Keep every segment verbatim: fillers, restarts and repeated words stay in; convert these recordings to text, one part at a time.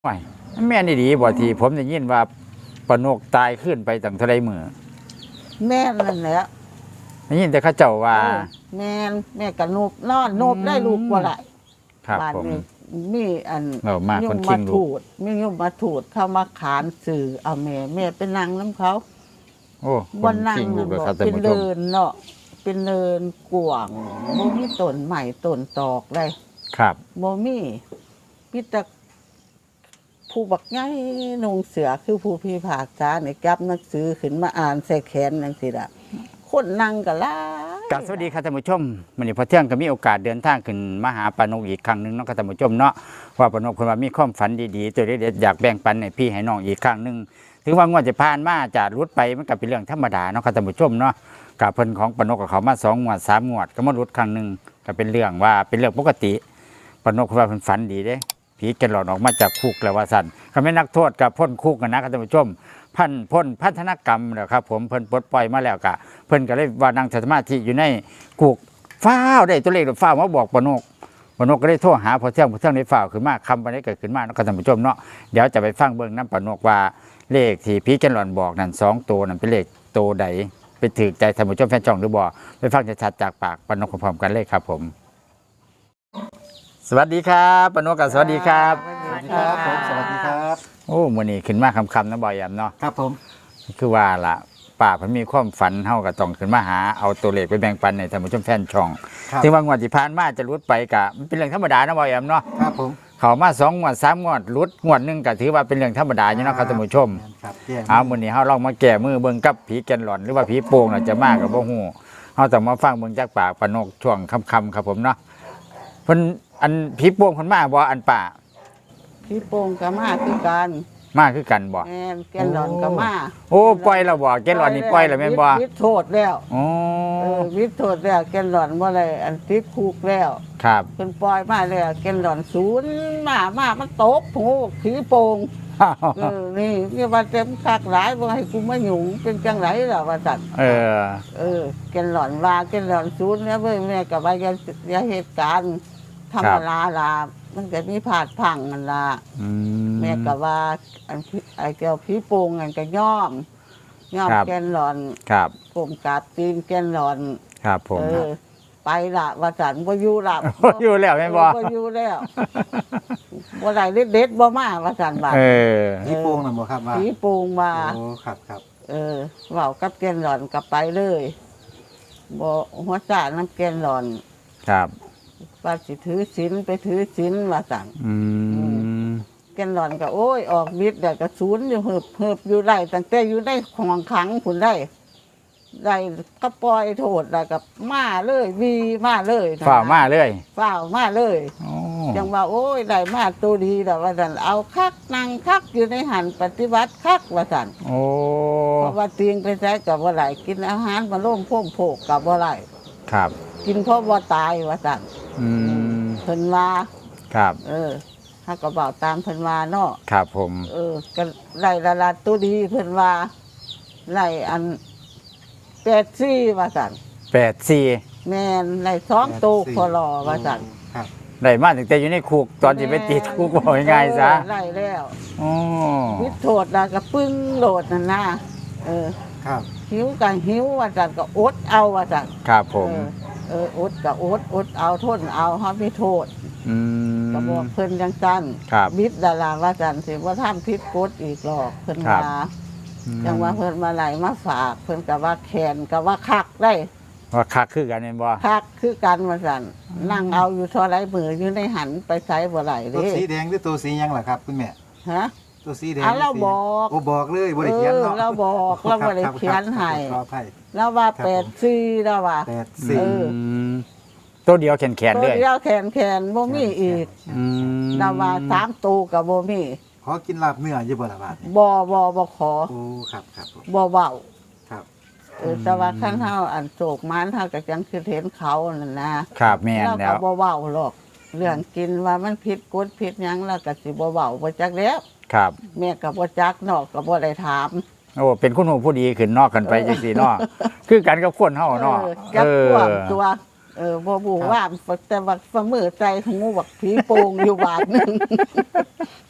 ไม่แม่นี่ดีบ่ทีผมได้ยินว่าปนกตายขึ้นไปตั้งเท่าไรมือแม่นั่นแหละได้ยินแต่เขาเจ้าว่าแม่แม่กับนบนอนนบได้ลูกกว่าไรครับผมมีอันยมมาถูดมียมมาถูดเข้ามาขานสื่อเอาแม่แม่เป็นนางน้ำเขาโอ้บนนางเป็นเดินเนาะเป็นเดินกวางโมมีต้นใหม่ต้นตอกเลยครับโมมีพิตาผู้บักง่ายนงเสือคือผู้พิพากษาในกับหนังสือขึ้นมาอ่านใส่แขนนั่นสิละคนนั่งกันละกับสวัสดีครับท่านผู้ชมวันนี้พอเที่ยงก็มีโอกาสเดินทางขึ้นมาหาปานกอีกครั้งหนึ่งเนาะครับท่านผู้ชมเนาะว่าปานกคนว่ามีความฝันดีๆตัวเด็ดๆอยากแบ่งปันให้พี่ให้น้องอีกครั้งหนึ่งถึงว่างวดจะผ่านมาจะรุดไปมันก็เป็นเรื่องธรรมดาเนาะครับท่านผู้ชมเนาะกับเพิ่นของปานกกับเขามาสองงวดสามงวดก็มารุดครั้งหนึ่งก็เป็นเรื่องว่าเป็นเรื่องปกติปานกคนว่าเพิ่นฝันดีเด้ผีแกหลอนออกมาจากคุกแล้วว่าสั่นเขาไม่นักโทษกับพ้นคุกกันนะครับท่านผู้ชมพันพ้นพัฒนกรรมแล้วครับผมเพิ่นปลดปล่อยมาแล้วกะเพิ่นก็เลยว่านั่งสมาธิอยู่ในกุกฟ้าวได้ตัวเลขฟ้าวมาบอกปนกปนกก็ได้โทรหาพอเที่ยงพอเที่ยงได้ฟ้าวขึ้นมาคำวันนี้เกิดขึ้นมานะครับท่านผู้ชมเนาะเดี๋ยวจะไปฟังเบื้องน้ำปนกว่าเลขที่ผีแกหลอนบอกนั่นสองตัวนั่นเป็นเลขตัวใดไปถือใจท่านผู้ชมแฟนช่องหรือบ่ไปฟังชัดๆจากปากปนกพร้อมๆกันเลยครับผมสวัสดีครับปนกกับสวัสดีครับสวัสดีครับผมสวัสดีครับโอ้มื้อนี้ขึ้นมาคำๆนะบ่อยแอมเนาะครับผมคือว่าล่ะป้าเพิ่นมีความฝันเฮาก็ต้องขึ้นมาหาเอาตัวเลขไปแบ่งปันให้ท่านผู้ชมแฟนช่องถึงว่างวดที่ผ่านมาจะหลุดไปก็มันเป็นเรื่องธรรมดานะบ่อยแอมเนาะครับผมเข้ามาสองงวดสามงวดหลุดงวดนึงก็ถือว่าเป็นเรื่องธรรมดาอยู่เนาะครับท่านผู้ชมเอามื้อนี้เฮาลองมาแก้มือเบิ่งกับผีแก่นหลอนหรือว่าผีโป่งน่ะจะมาก็บ่ฮู้เฮาต้องมาฟังเบิ่งจากปากปานกช่วงค่ำๆครับผมเนาะเพิ่นอันผีโป่งเพิ่นมาบ่อันป้าผีโป่งก็มาคือกันมาคือกันบ่แม่นแกนหลอนก็มาโอ้ปล่อยแล้วบ่แกนหลอนนี่ปล่อยแล้วแม่นบ่วิโทษแล้วอ๋อเออวิโทษแล้วแกนหลอนบ่ได้อันติดคุกแล้วครับเพิ่นปล่อยมาแล้วแกนหลอนศูนย์มามามันตกโหผีโป่งเออนี่นี่ว่าเต็มคักหลายบ่ให้กูมาหยุ่งเป็นจังไรล่ะว่าซั่นเออเออแกนหลอนว่าแกนหลอนศูนย์แล้วเว้ยแม่ก็ว่าอย่าอย่าเหตุการณ์ธรรมดาล่ะมันก็มีผาดพังนั่นล่ะแม่ก็ว่าอันไอ้เจ้าผีโป่งนั่นก็ย่อมย่อมแกนหลอนครับกลมกราบตีนแกนหลอนครับผมเออไปละว่าสันบ่อยู่ละบ่อยู่แล้วแม่นบ่บ่อยู่แล้วบ่ได้เด็ดๆบ่มาว่าสันบาดเออผีโป่งน่ะบ่ครับว่าผีโป่งมาโอ้ครับครับเออเว้ากับแกนหลอนก็ไปเลยบ่หัวซ่าน้ำแกนหลอนครับว่าสิถือศีลไปถือศีลว่าสั่งอืมแกนหลอนก็โอ้ยออกฤทธิ์แล้วก็ศูนย์อยู่เหิบเหิบอยู่ได้ตั้งแต่อยู่ได้ของขังพุ่นได้ได้ก็ปล่อยโทษแล้วก็มาเลยวีมาเลยฝ่ามาเลยฝ่ามาเลยจังว่าโอ้ยได้มาตัวดีแล้วว่าสั่นเอาคักนั่งคักอยู่ในหันปฏิบัติคักว่าสั่นโอ้เพราะว่าเตียงไปใช้กับว่าไหลกินอาหารมาล่มพ่มโผกกับว่าไหลครับกินเพราะว่าตายว่าสั่นอืมเพิ่นว่าครับเออถ้ากระเป๋าตามเพิ่นว่าเนาะครับผมเออก็ไล่ละลาตัวดีเพิ่นว่าไล่อันแปดสี่ว่าสั่นแปดสี่แม่นไล่สองตัวพอรอว่าสั่นได้มาตั้งแต่อยู่ในคุกตอนที่ไปติดคุกบอกง่ายๆซะไล่แล้วอ๋อวิโทษแล้วก็ปึ้งโหลดนั่นนะเออครับหิวกันหิวว่าสั่นก็อดเอาว่าสั่นครับผมเอออดก็อดอดเอาทนเอาเฮามีโทษอืมก็บอกเพิ่นจังซั่นครับบิดดาราว่าสั่นสิว่าทำผิดกฎอีกหรอกเพิ่นว่าจังว่าเพิ่นมาไหลมาฝากเพิ่นก็ว่าแขนก็ว่าคักได้ว่าคักคือกันแม่นบ่คักคือกันว่าซั่นนั่งเอาอยู่เท่าไรมืออยู่ในหันไปไสบ่ไหลเด้ตัวสีแดงหรือตัวสีหยังล่ะครับคุณแม่ฮะตัวสีแดงเราบอกโอ้บอกเลยบ่ได้เขียนเนาะเราบอกเราบ่ได้เขียนให้แล้วว่าแปดสี่แล้วว่าแปดสี่ตัวเดียวแขนแขนเลยตัวเดียวแขนแขนบ่มีอีกแล้วว่าสามตัวก็บ่มีขอกินลาบเนื้ออยู่บ่ล่ะบาดนี้บ่บ่บ่ขอโอ้ครับครับบ่เว้าครับเออแต่ว่าคันเฮาอันโศกมันเฮาก็จังคือเห็นเขานั่นนะครับแม่นแล้วเราก็บ่เว้าหรอกเรื่องกินว่ามันผิดกฎผิดหยังแล้วก็สิบ่เว้าบ่จักแล้วครับแม่ก็บ่จักนอกก็บ่ได้ถามโอ้เป็นคนหูผู้ดีขึ้นนอกกันไปจังซี่เนาะคือกันกับคนเฮาเนาะเออตัวเออบ่บูว่าแต่ว่าฝ่ามือใจหูบักผีโป่งอยู่บาดนึง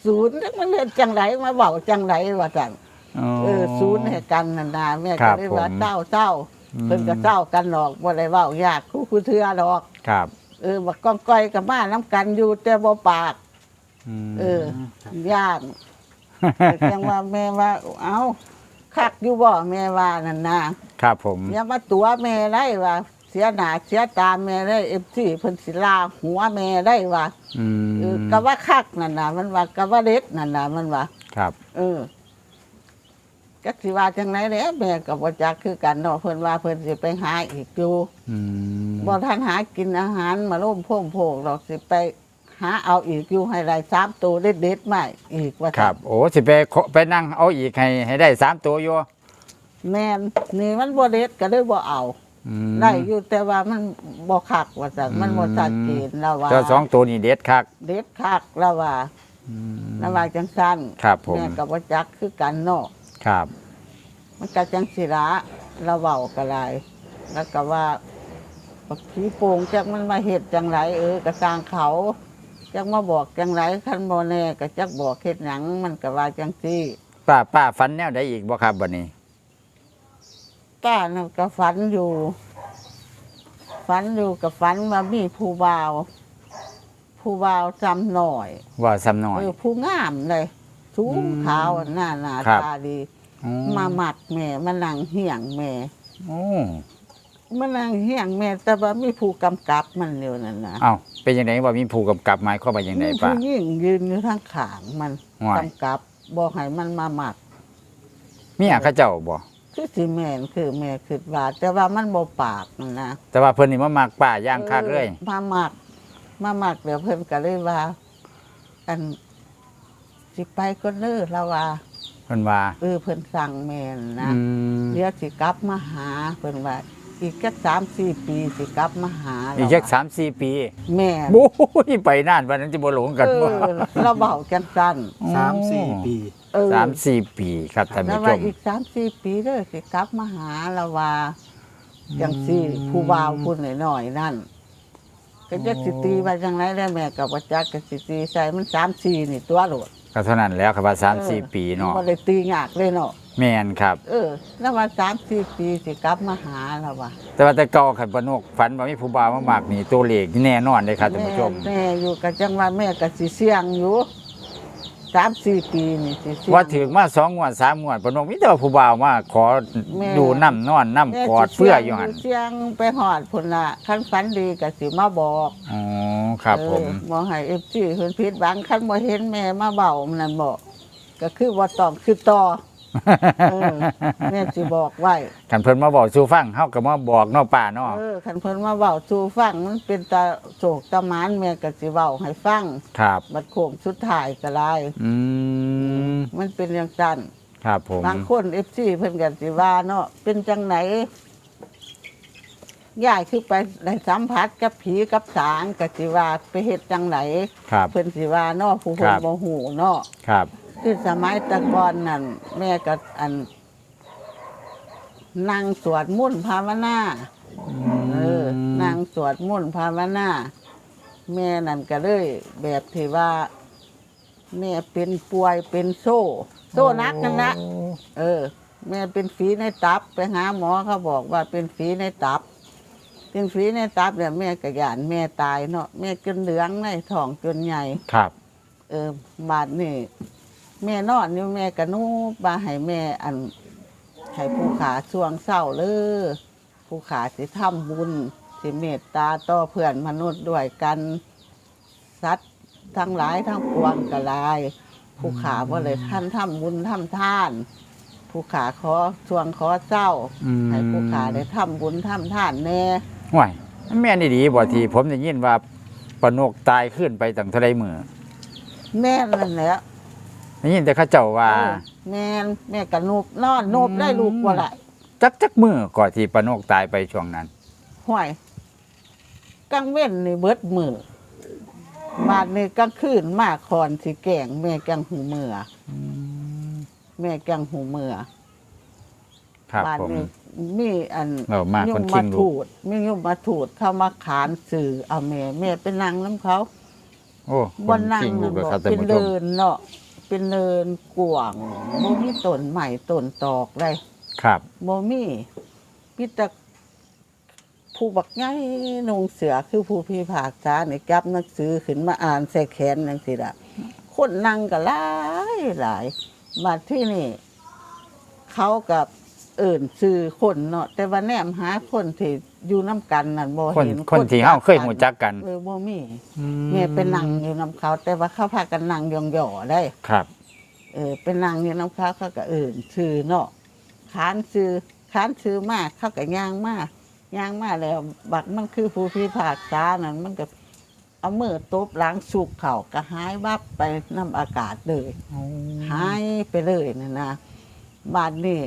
ศูนย์จักมันเฮ็ดจังไดมาเว้าจังไดว่าซั่นอ๋อเออศูนย์ให้กันนั่นน่ะแม่ครัก็บเลยว่าผมเจ้าเจ้าอืมเพิ่นก็เจ้ากันดอกบ่ได้เว้ายากคู่คือเทื่อดอกครับเออบักก้องก้อยก็มานํกันอยู่แต่บ่ปากมเออย่านแต่จังว่าแม่ว่า เอ้าคักอยู่บ่แม่ว่านั่นน่ะครับผมอย่ามาตัวแม่ได้ว่าเสียหน้าเสียตาแม่ได้ เอฟ ซี เพิ่นสิลาหัวแม่ได้ว่าอืมเออก็ว่าคักนั่นน่ะมันว่าก็ว่าเด็ดนั่นน่ะมันว่าครับเออจักสิว่าจังไหนแหล้วแม่ก็บ่จักคือกันเนาะเพิ่นว่าเพิ่นสิไปหาอีกอยู่อืมบ่ทันหากินอาหารมาล่มโพ่งโพกดอกสิไปหาเอาอีกอยู่ให้ได้สามตัวเด็ดๆมาอีกว่าคซั่นรับ โอ้สิไปขอไปนั่งเอาอีกให้ให้ได้สามตัวอยู่แม่นนี่มันบ่เด็ดก็เลยบ่เอาอืมได้อยู่แต่ว่ามันบ่คักว่าซั่นมันบ่ชัดเจนแล้วว่าเจ้าสองตัวนี่เด็ดคักเด็ดคักแล้วว่าอืมแล้วว่าจังซั่นครับผมแม่ก็บ่จักคือกันเนาะครับมันก็จังสิละเราเว้าก็ได้แล้วก็ว่าบักผีโป่งจักมันมาเฮ็ดจังไรเออก็สร้างเขาจักมาบอกจังไรคันบ่แน่ก็จักบอกเฮ็ดหยังมันก็ว่าจังซี่ป้าป้าฝันแนวใดอีกบ่ครับบัดนี้ก้านั่นก็ฝันอยู่ ฝันอยู่กับฝันว่ามีผู้บ่าว ผู้บ่าวจำหน่อยว่าซ้ำน้อยเออผู้งามเลยสูอืงมขาวหน้าหน้าครับตาดีอ๋อมาหมัดแม่มานั่งเหี่ยงแม่โอ้มานั่งเหี่ยงแม่ แต่ว่ามีผู้กำกับมันอยู่นั่นนะเอ้าเป็นยังไงว่ามีผู้กำกับหมายความว่าอย่างไรมีป้าผู้หญิงยืนอยู่ทางขางมันว้ายกำกับบอกให้มันมาหมัดเมียเขาเจ้าบ่คือสิแม่นคือแม่คิดว่า แต่ว่ามันบ่ปากนั่นนะแต่ว่าเพิ่นนี่มามักป้าย่างคักเลยออมาหมักมาหมักเดี๋ยวเพิ่นก็เลยว่า อันสิไปก็เลิกแล้วว่าเพิ่นว่าเออเพิ่นสั่งแม่นนะอืมเดี๋ยวสิกลับมาหาเพิ่นว่า อีกแค่สามสี่ปีสิกลับมาหาอีกแล้วจักว่าสามสี่ปีแม่โอ้ยไปนานวันนั้นจะบ่หลงกันเอบ่อเราเบาจังสั้นสามสี่ปีเออสามสี่ปีครับท่านแล้วผู้ชว่าม อีกสามสี่ปีเด้อสิกลับมาหาเราว่าจังสี่ผู้บ่าวพูดหน่อยๆนั่น ก็จะสิตีไปจังไรได้แม่กับว่าจักก็สิตีใส่มันสามสี่นี่ตัวโหลดก็เท่านั้นแล้วครับว่าสามสี่ปีเนาะบ่ได้ตียากเลยเนาะแม่นครับเออ แล้วว่าสามสี่ปีสิกลับมาหาเราว่าแต่ว่าแต่เก่าขันปนกฝันว่ามีผู้บ่าวมามากนี่ตัวเลขนี่แน่นอนเลยครับท่านผู้ชมแม่อยู่กับจังว่าแม่ก็สิเสี่ยงอยู่สามสี่ปีนี่สิเสี่ยงว่าถึงมาสองงวดสามงวดปนกมีแต่ว่าผู้บ่าวมาขอแม่ดูน้ำนอนน้ำกอดเพื่ออยู่หันเสียงไปหอดพุ่นละคันฝันดีก็สิมาบอกอ๋อครับผมเออบอกให้เอฟซีเพิ่นผิดหวังคันบ่เห็นแม่มาเบามันนั่นบอกก็คือบ่ต้องคือต่อเออแม่สิบอกไว้กันเพิ่นมาบอกสู่ฟังเฮาก็มาบอกเนาะป้าเนาะเออคันเพิ่นมาเว้าสู่ฟังมันเป็นตาโศกตาหมานแม่ก็สิเว้าให้ฟังครับบัดโค้งสุดท้ายก็ได้อืมมันเป็นอย่างนั้นครับผมบางคน เอฟ ซี เพิ่นก็สิว่าเนาะเป็นจังไหนยายคือไปได้สัมผัสกับผีกับสางก็สิว่าไปเฮ็ดจังไหนครับเพิ่นสิว่าเนาะผู้คเพิ่รันบบ่ฮู้เนาะครับคือสมัยแตะก่อนนั่นแม่ก็อันนั่งสวดมนต์ภาวนาเออนั่งสวดมนต์ภาวนาแม่นั่นก็เลยแบบที่ว่า แม่เป็นป่วยเป็นโซ่ โซ่นักนั่นนะเออ แม่เป็นฝีในตับไปหาหมอเขาบอกว่าเป็นฝีในตับ เป็นฝีในตับเนี่ยแม่กระยานแม่ตายเนาะแม่จนเหลืองในท้องจนใหญ่ครับเออบาดนี่แม่นอนอยู่แม่กระนูบาให้แม่อันให้ผู้ขาช่วงเศร้าเลยผู้ขาสิทำบุญสิเมตตาต่อเพื่อนมนุษย์ด้วยกันสัตว์ทั้งหลายทั้งปวงกระลาย ผู้ขาว่าเลยท่านทำบุญทำทาน ผู้ขาขอช่วงขอเศร้าอืมให้ผู้ขาได้ทำบุญทำทานแน่ห่วยแม่นดีๆบ่ที่ผมได้ยินว่าปนกตายขึ้นไปตั้งเท่าใดมื้อแม่นั่นแหละได้ยินแต่เขาเจ้าว่าเออแม่นแม่กระนูบนอนนูบได้ลูกว่าไรจักจักมื้อก่อนที่ปนกตายไปช่วงนั้นห้วยกลางเว้นนี่เบิดมือมาดนี่กลางคืนมาคอนสิแกงแม่แกงหูเมืออแม่แกงหูเมือครับบ้านผมนี้มีอันเรามาคนมคิมางลูถูกดมียุ่มมาถูดเข้ามาขานสื่อเอาแม่แม่เป็นนางน้ำเขาโอ้คบ่นนั่งจริงลูนั่กนเลยบ่ครับท่านเป็นผู้ชมเดินเนาะเป็นเนินกว้างบ่มีต้นใหม่ต้นตอกเลยครับบ่มีมีแต่ผู้บักใหญ่นุ่งเสือคือผู้พิพากษานี่จับหนังสือขึ้นมาอ่านใส่แขนจังซี่ล่ะคนนั่งก็หลายหลายมาที่นี่ เขากับเอิ่นซื้อคนเนาะแต่ว่าแนมหาคนที่อยู่น้ำกันนั่นบ่คนเห็นคนที่เฮาเคยหูจักกันเออบ่มีแม่เป็นนั่งอยู่น้ำเขา แต่ว่าเขาพากันนั่งยองๆได้ครับเออเป็นนั่งอยู่น้ำเขาเขาก็เอิ่นซื้อเนาะขานซื้อขานซื้อมากเขาก็ย่างมากย่างมาแล้ว บักมันคือผู้พิพากษานั่นมันก็เอามือตบหล้างสุกเขาก็หายวับไปน้ำอากาศเลยหายไปเลยนะนะบาดนี้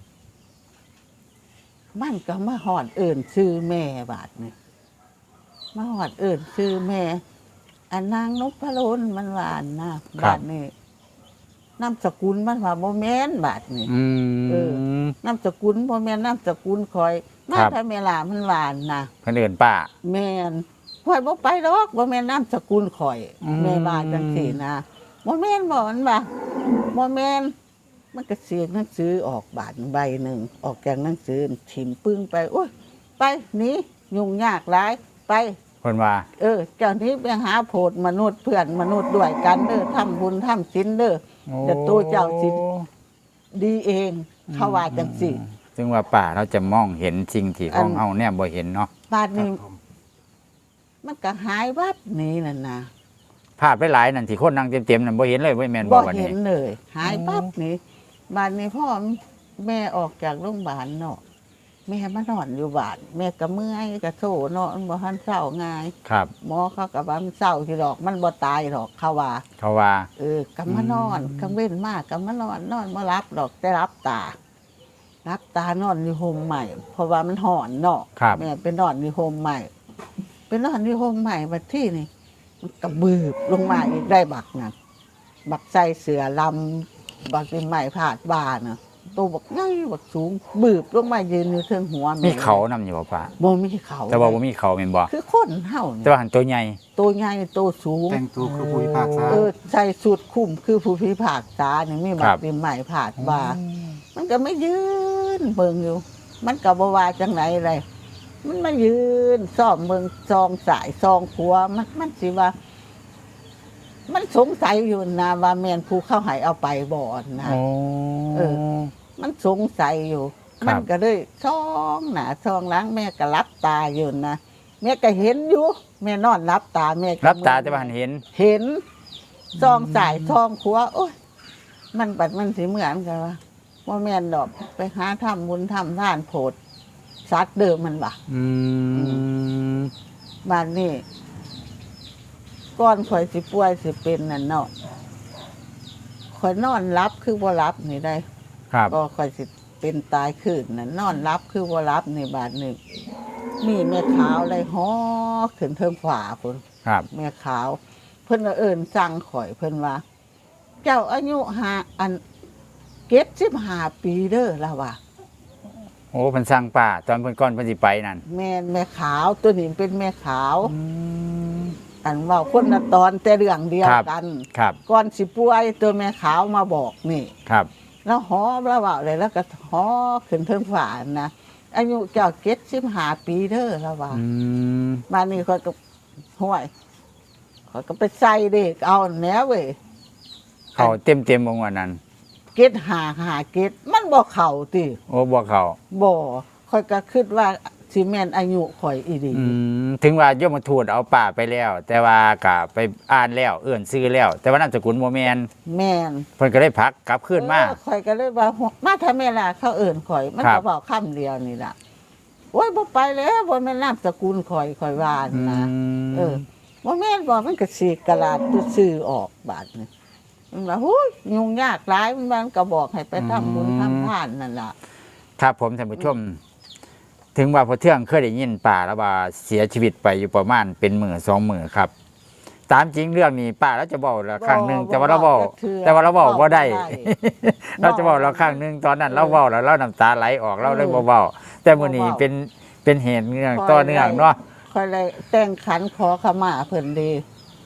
มันก็มาหอดเอิ่นชื่อแม่บาดนี่มาหอดเอิ่นชื่อแม่อันนางนพดลมันหวานนะบาดนี่นามสกุลมันว่าโมแมนบาดนี่อืเออมนามสกุลโมแมนนามสกุลคอยมาครับถ้าเมลามันหวานนะเพิ่นเอิ้นป้าแม่นข่อยบ่ไปดอกบ่แม่นนามสกุลข่อยอืมแม่ว่าจังซี่นะบ่แม่นบ่มันว่าบ่แม่นมันก็เสียหนังสือออกบาทใบหนึ่งออกจากหนังสือถิ่มปึ้งไปโอ้ยไปหนียุ่งยากหลายไปเพิ่นว่าเออ เจ้านี้ไปหาโพดมนุษย์เพื่อนมนุษย์ด้วยกันเด้อทำบุญทำศีลเด้อ เดี๋ยวตัวเจ้าสิ ดีเองเขาว่าจังซี่ซึ่งว่าป้าเราจะมองเห็นสิ่งที่ของอันเฮาเนี่ยบ่เห็นเนาะบาดครันี้บผมมันก็หายวับหนี้นั่นนะภาพหลายๆนั่นที่คนนั่งเต็มๆนั่นบ่เห็นเลยบ่แม่นบ่บ่วันเห็นี้นเลย หายปั๊บนี่บ้านนี้พ่อแม่ออกจากโรงพยาบาลเนาะแม่มานอนอยู่บ้านแม่ก็เมื่อยก็โถเนาะมันบ่ทันเศร้าง่ายครับหมอเขาก็ว่ามันเศร้าที่ดอก มันบ่ตายหรอกเขาว่าเขาว่าเออก็มานอนกลางเว้นมากก็มานอนนอนบ่รับดอกแต่รับตา รับตานอนอยู่โฮมใหม่ เพราะว่ามันหอนเนาะครับแม่ไปนอนอยู่โฮมใหม่ไปนอนอยู่โฮมใหม่บัดที่นี่มันก็บืบลงมาอีกได้บักนั่นบักใส่เสือลำบักเป็นใหม่ผาดบาน่ะตัวบักใหญ่บักสูง บืบลงมายืนอยู่เทิงหัวแมีเขานำอยู่บ่ป้าบ่มีเขาแต่ว่าบ่มีเขาแม่นบ่คือคนเฮาแต่นี่ว่าหันตัวใหญ่ตัวใหญ่ตัวสูงแต่งตัวคือผู้พิพากษาเออใส่สุดคุ้มคือผู้พิพากษานี่มีบัครักบเป็นใหม่ผาดบา มันก็ไม่ยืนเบิ่งอยู่ มันก็บ่ว่าจังไหนเลย มันมายืนซ่อมเบิ่งซองสายซองขัวมันมันสิว่า มันสงสัยอยู่นะว่าแม่นผู้เข้าใหายเอาไปบ่นะโอ้เออ มันสงสัยอยู่ครัมับนก็เลยช่องหนาช่องหล้างแม่ก็รับตาอยู่นะแม่ก็เห็นอยู่ แม่นอนรับตาแม่ก็รับตาแต่ว่าหันเห็นเห็นซองสายซองขัวโอ้ยมันบัดมันสิเหมือนกันว่าว่าแม่นดอกไปหาทำบุญทำทานโพดซัดเดิมมันว่ะอืมบ้านนี้ก้อนข่อยสิป่วยสิเป็นนั่นเนาะข่อยนอนรับคือบ่รับนี่ได้ครับก็ข่อยสิเป็นตายขึ้นนั่นนอนรับคือบ่รับนี่บาดนี้มีแม่ขาวเลยฮ้อขึ้นเทิงฝาพุ่นครับแม่ขาว เพิ่นว่าเอิ้นสั่งข่อยเพิ่นว่า เจ้าอายุหาอันเก็บสิบห้าปีเด้อล่ะว่าโอ้เพิ่นสร้างป้าตอนเพิ่นก่อนเพิ่นสิไปนั่นแม่นแม่ขาวตัวนี้เป็นแม่ขาว อันเว่าคนละตอนแต่เรื่องเดียวกันครับก่อนสิป่วยตัวแม่ขาวมาบอกนี่ครับแล้วหอแล้วเว่าเลยแล้วก็หอขึ้นเทิงฝานะอายุเจ้าเก็บสิบห้าปีเด้อล่ะว่าอืมบ้านนี้ข่อยก็ห้วยข่อยก็ไปใส่เด็กเอาแหนวเว้ยเขาเต็มๆบ่งว่านั้นเก็ดหาหาเก็ดมันบ่เข้าติโอ้บ่เขาบ่ข่อยก็คิดว่าสิแม่นอายุข่อยอีดีอืมถึงว่าโยมทูตเอาป้าไปแล้ว แต่ว่าก็ไปอ่านแล้วเอื้อนซื้อแล้ว แต่ว่านามสกุลบ่แม่นแม่นเพิ่นก็ได้พักกลับคืนมาเออข่อยก็เลยว่ามาทำไมล่ะเขาเอิ่นข่อย มันครัก็บบอกคำเดียวนี่ล่ะโอ้ยบ่ไปแล้วบ่แม่นนามสกุลข่อยข่อยว่าอืนะมเออบ่แม่นบ่มันก็สีกกระลาดตัวซื้อออกบาดนี่มันว่าโอ้ยยุ่งยากหลายมันก็บอกให้ไปทำบุญทำทานนั่นล่ะครับผมท่านผู้ชม ถึงว่าพอเที่ยงเคยได้ยินป้าแล้วว่าเสียชีวิตไปอยู่ประมาณเป็นหมื่นสองหมื่นครับ ตามจริงเรื่องนี้ป้าแล้วจะบอกละครั้งหนึ่งบ่แต่ว่าเราบอกบ่เทื่อแต่ว่าเราบอกว่าได้บ่ได้เราจะบอกเราครั้งหนึ่งตอนนั้นเราเว้าแล้วเราน้ำตาไหลออกเราเลยบ่เว้าแต่มื้อนี้บ่เว้าเป็นเป็นเหตุเนื่องต่อเนื่องเนาะข่อยเลยแต่งขันขอขมาเพิ่นดี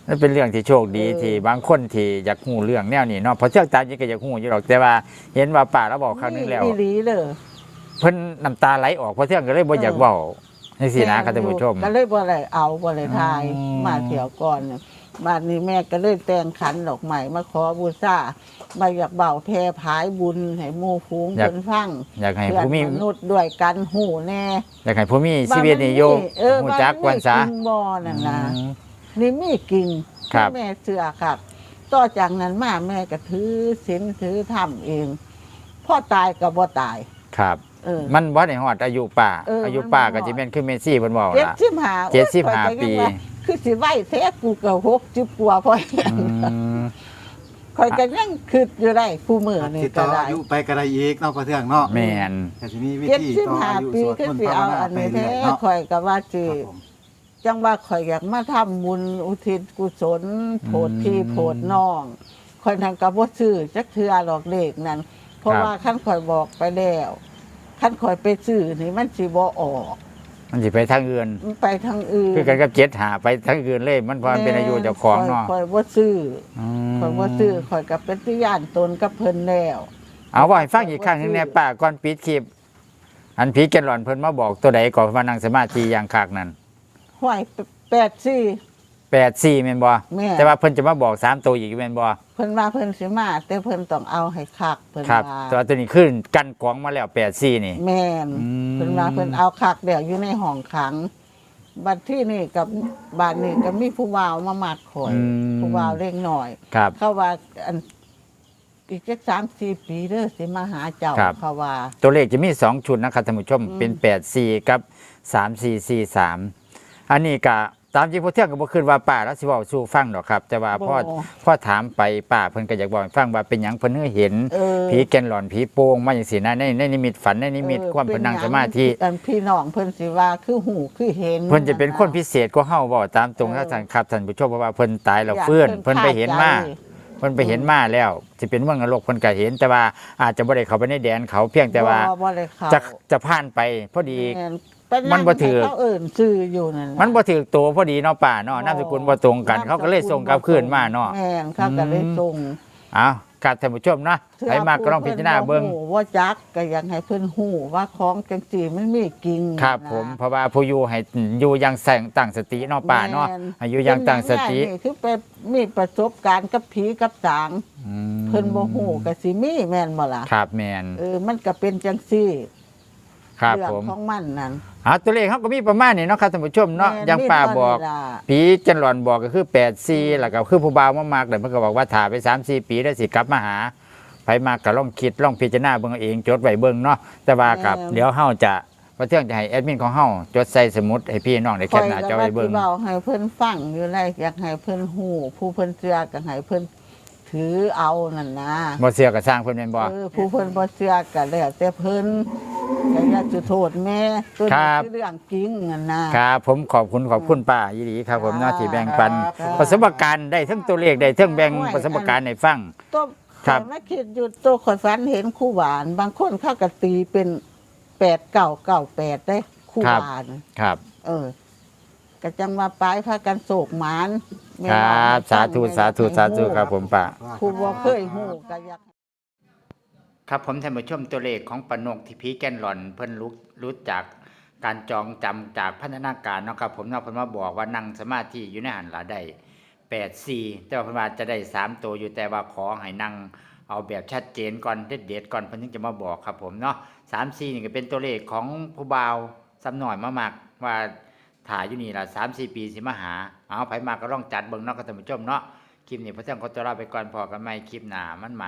นั่นเป็นเรื่องที่โชคดีเออที่บางคนที่อยากฮู้เรื่องแนวนี้เนาะเพราะเชื่อตามจริงก็อยากฮู้อยู่หรอกแต่ว่าเห็นว่าป้าเราบอกครั้งนึงแล้วอีหลีเลยเพิ่นน้ำตาไหลออกเพราะเที่ยงก็เลยบ่อยากเว้าจังซี่นะครับท่านผู้ชมก็เลยบ่ได้เอาบ่ได้ทายอ๋อมาเที่ยวก่อนเนี่ยบ้านนี้แม่ก็เลยแต่งขันดอกไม้มาขอบูชามาอยากเบาแพร่ผายบุญให้หมู่ฟูงเพิ่นฟังอยากให้เพื่อนผู้มีมนุษย์ด้วยกันหูแน่อยากให้ผู้มีชีวิตนี่โยเออฮู้บ้านจักนี้วันซะกิ่งบ่อนั่นนะอืมนี่มีกิ่งครับที่แม่เชื่อครับต่อจากนั้นมาแม่ก็ถือศีลถือธรรมเองพ่อตายก็บ่ตายครับเออมันบ่ได้ฮอดอายุป้าเอออายุป้ามันบ่ก็ฮอดสิแม่นคือเมสซี่เพิ่นเว้าเจ็ดล่ะสิบห้าเจ็ดสิบห้าโอ้ยข้อยก็ยังปีว่าคือสิไหวแท้กูก็หกสิบกว่าพออืมคอยก็ยังคิดอยู่ได้คู่มือนี่สิต่ก็อได้อายุไปก็ได้อีกเนาะพอเทื่องเนาะแม่นแต่ทีนี้วิเจ็ดธีสิบต่อห้าอายุปีสวดก็มนต์สิภาวเอานาอันไปนี้เรื่แท้อยเนาะคอยก็ว่าสิครับผมจังว่าคอยอยากมาทำบุญอุทิศกุศลโผดพี่โผดน้องคอยทางกับบ่ซื้อจักเทื่อหรอกเลขนั้น เพราะว่าขั้นคอยบอกไปแล้วขั้นคอยไปซื้อนี่มันสิบ่ออกมันสิไปทางอื่นมันไปทางอื่นคือกันกับเจ็ดหาไปทางอื่นเลยมันเพราะมันเป็นอายุเจ้าของเนาะคอยบ่ซื้ออืมคอยบ่ซื้อคอยกับเป็นที่ย่านตนกับเพิ่นแล้วเอาว่าให้ฟังอีกครั้งหนึงแน่ป้าก่อนปิดคลิป อันผีแกนหลอนเพิ่นมาบอกตัวใดก่อนว่านั่งสมาธิอย่างคักนั้นห้วยแปดสี่แปดสี่แม่นบ่แม่แต่ว่าเพิ่นจะมาบอกสามตัวอีกแม่นบ่เพิ่นว่าเพิ่นสิมาแต่เพิ่นต้องเอาให้คักเพิ่นครับว่าตัวตัวนี้ขึ้นกันกองมาแล้วแปดสี่นี่แม่นอืมเพิ่นว่าเพิ่นเอาคักเดี๋ยวอยู่ในห้องขังบัดที่นี่กับบ้านนี้ก็มีผู้บ่าวมามัดข่อยอืมผู้บ่าวเล็กหน่อยครับเขาว่าอันอีกจักสามสี่ปีเด้อสิมาหาเจ้าครับเขาว่าตัวเลขจะมีสองชุดนะครับท่านผู้ชมอืมเป็นแปดสี่กับสามสี่สี่สามอันนี้ก็ตามจริงพอเที่ยงก็บ่คิดว่าป้าแล้วสิเว้าสู่ฟังดอกครับ แต่ว่าพ่อบ่พ่อถามไปป้าเพิ่นก็อยากบอกให้ฟังว่าเป็นหยังเพิ่นเห็นเออผีแกนหลอนผีโป่งมาจังซี่นะในในนิมิตฝันในนิมิตความเพิ่นนั่งสมาธิอันพี่น้องเพิ่นสิว่าคือหูคือเห็นเพิ่นจะเป็นคนพิเศษกว่าเฮาบ่ตามตรงนะท่านครับท่านผู้ชมเพราะว่าเพิ่นตายแล้วฟื้นเพิ่นไปเห็นมาเพิ่นไปเห็นมาแล้วสิเป็นเมืองนรกเพิ่นก็เห็น แต่ว่าอาจจะบ่ได้เข้าไปในแดนเขาเพียงแต่ว่าบ่บ่ได้เข้าจะจะผ่านไปพอดีแม่นเป็นมันบ่ถือเขาเอิ่นชื่ออยู่นั่นน่ะมันบ่ถูกตัวพอดีเนาะป้าเนาะนามสกุลบ่ตรงกัน เขาก็เลยส่งกลับคืนมาเนาะแม่นเขาก็เลยส่งเอาครับท่านผู้ชมเนาะใครมาก็ลองพิจารณาเบิ่งฮู้ว่าจักก็อยากให้เพิ่นฮู้ว่าของจังซี่มันมีกิ่งครับนะผมเพราะว่าผู้อยู่ให้อยู่อย่างแสงตั้งสติเนาะป้าเนาะแม่นให้อยู่อย่างตั้งสติเป็นอย่างนี้คือไปมีประสบการณ์กับผีกับสางอืมเพิ่นบ่ฮู้ก็สิมีแม่นบ่ล่ะครับแม่นเออมันก็เป็นจังซี่ครับเรื่องผมของมันนั่นอ่าตัวเลขเขาก็มีประมาณนี้เนาะครับท่านผู้ชมเนาะแม่อย่างป้าบอกมีเท่นี้ล่ะผีจันหลอนบอกก็คือแปดสี่แล้วก็คือผู้บ่าวมามากแต่เพิ่นก็บอกว่าถ่าไปสามสี่ปีแล้วสิกลับมาหาไผมากก็ลองคิดลองพิจารณาเบิ่งเอาเองจดไว้เบิ่งเนาะแต่ว่ากับเดี๋ยวเฮาจะว่าเที่ยงจะให้แอดมินของเฮาจดใส่สมุดให้พี่น้องได้แคปหน้าจอไว้เบิ่งข้อยก็ว่าสิเว้าให้เพิ่นฟังอยู่ไรอยากให้เพิ่นฮู้ผู้เพิ่นเชื่อก็ให้เพิ่นถือเอานั่นนะบ่เชื่อก็สร้างเพิ่นแม่นบ่เออผู้เพิ่นบ่เชื่อก็แล้วแต่เพิ่นก็อย่าจะโทษแม่ตัวนี้คือเรื่องจริงนั่นนะครับผมขอบคุณขอบคุณป้ายีหลีครับผมเนาะที่แบ่งปันครับประสบการณ์ได้ทั้งตัวเลขได้ทั้งแบ่งประสบการณ์ให้ฟังตัวครับข้อยมาคิดอยู่ตัวข่อยฝันเห็นคู่หวาน บางคนเขาก็ตีเป็นแปดเก้าเก้าแปดได้คู่หวานครับเออก็จังว่าปลายพากันโศกหมานแม่ครว่าับสาธุสาธุสาธุครับผมป้าผู้บ่เคยฮู้ก็อยากครับผมท่านผู้ชมตัวเลขของปนกที่ผีแกนหลอนเพิ่นรู้รู้จากการจองจำจากพัฒนาการเนาะครับผมเนาะเพิ่นมาบอกว่านั่งสมาธิอยู่ในหันหลาได้แปดสี่แต่ว่าเพิ่นว่าจะได้สามตัวอยู่แต่ว่าขอให้นั่งเอาแบบชัดเจนก่อนเด็ดเด็ดๆก่อนเพิ่นถึงจะมาบอกครับผมเนาะสามสี่นี่ก็เป็นตัวเลขของผู้บ่าวซ้ำหน่อยมามากว่าถ่ายอยู่นี่ล่ะสามสี่ปีสิมาหาเอาไผมมาก็ลองจัดเบิ่งเนาะครับท่านผู้ชมเนาะคลิปนี้พระเจ้าขอตัวลาไปก่อนพอกันใหม่คลิปหน้ามันมา